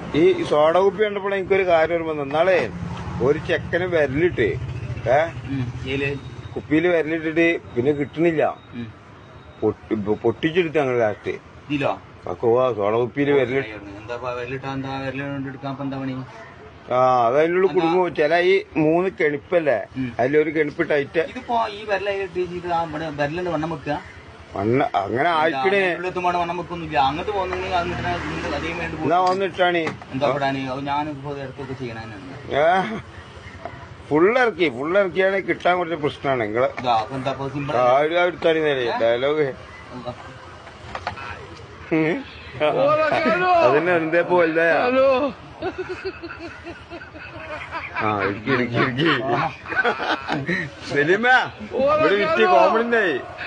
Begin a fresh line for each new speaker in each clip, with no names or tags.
ഈ സോഡ കുപ്പി കണ്ടപ്പോൾ എനിക്കൊരു കാര്യം ഓർമ്മ നാളെ ഒരു ചെക്കന് വിരലിട്ട് കുപ്പിയിൽ വിരലിട്ടിട്ട് പിന്നെ കിട്ടണില്ല. പൊട്ടിച്ചെടുത്ത് ഞങ്ങൾ ലാസ്റ്റ് സോഡ കുപ്പിയിൽ വിരലിട്ട് അതതിനുള്ള കുടുംബം ചില ഈ 3 കെണിപ്പല്ലേ അതിലൊരു കെണിപ്പ് ടൈറ്റ് അങ്ങനെ ആയിക്കണേ എന്നാ വന്നിട്ടാണ് ഫുള്ളിറക്കിയാണ് കിട്ടാൻ കുറച്ച് പ്രശ്നമാണ് നിങ്ങള് എടുത്താണി ഡയലോഗ് അതിന് എന്തേ പോലെ ഇടുക്കി സെലിമ ഇവിടെ വിറ്റ് കോമഡിന്റെ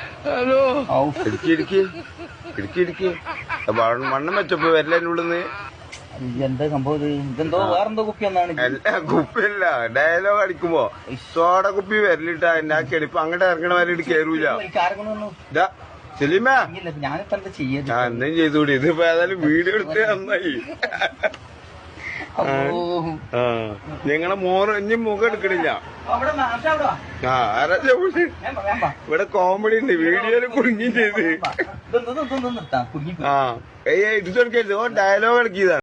ഇടുക്കി മണ്ണം വെച്ചപ്പോ വരലുള്ളിന്ന്
എന്താ സംഭവം ഇതെന്തോ വേറെന്തോ കുപ്പി
കുപ്പിയല്ല ഡയലോഗ് അടിക്കുമ്പോ സോഡ കുപ്പി വരലിട്ടാ എന്നെ ആ കെണിപ്പ് അങ്ങോട്ട് ഇറങ്ങണ വരെ ഇട്ട് കേറൂല സെലിമ
ഞാനിപ്പോ എന്താ ചെയ്യാ
എന്തും ചെയ്തുകൂടി ഇതിപ്പോ ഏതായാലും വീഡിയോ എടുത്ത് നന്നായി. ഞങ്ങളെ ഇനി മുഖം എടുക്കണില്ല. ഇവിടെ കോമഡി ഉണ്ട് വീഡിയോയില് കുടുങ്ങി ചെയ്ത് ഇത് ഡയലോഗ് ഇറക്കിയതാണ്.